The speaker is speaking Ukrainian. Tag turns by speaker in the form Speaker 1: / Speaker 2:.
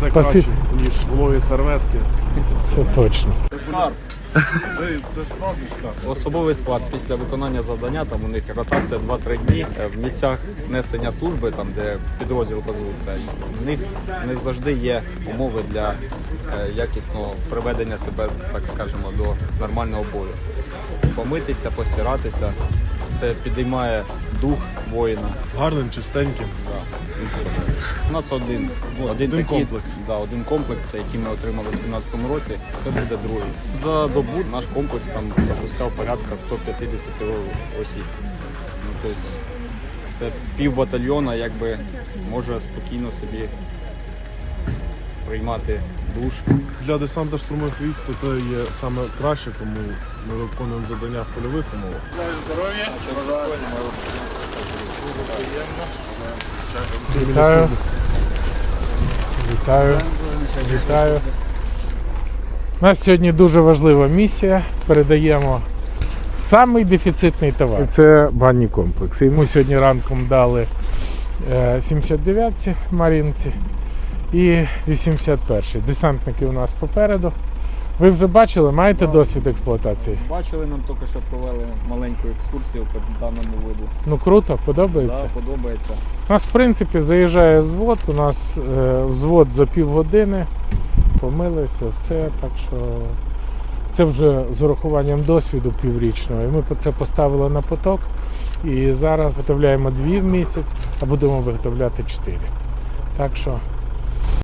Speaker 1: Це краще, ніж вологі серветки.
Speaker 2: Це точно.
Speaker 3: Це скарб.
Speaker 1: Це справді скарб.
Speaker 3: Особовий склад після виконання завдання, там у них ротація 2-3 дні в місцях несення служби, там де підрозділ базується, в них не завжди є умови для якісного приведення себе, так скажемо, до нормального бою. Помитися, постиратися, це підіймає дух воїна.
Speaker 1: Гарним, чистеньким.
Speaker 3: Да. У нас один такий,
Speaker 1: комплекс.
Speaker 3: Да, один комплекс, це який ми отримали в 2017 році, це буде другий. За добу наш комплекс там запускав порядка 150 осіб. Ну, тобто, це пів батальйона якби може спокійно собі приймати душ.
Speaker 1: Для десанта штурмових військ то це є саме краще, тому ми виконуємо завдання в польових умовах.
Speaker 2: Вітаю. Вітаю. Вітаю. У нас сьогодні дуже важлива місія. Передаємо самий дефіцитний товар. Це банні комплекси. Йому сьогодні ранком дали 79-ці Марінці і 81-й. Десантники у нас попереду. Ви вже бачили, маєте досвід експлуатації?
Speaker 3: Бачили, нам тільки що провели маленьку екскурсію по даному виду.
Speaker 2: Ну круто, подобається?
Speaker 3: Так, подобається.
Speaker 2: У нас, в принципі, заїжджає взвод, у нас взвод за півгодини, помилися, все, так що це вже з урахуванням досвіду піврічного. І ми це поставили на поток, і зараз виготовляємо 2 в місяць, а будемо виготовляти 4. Так що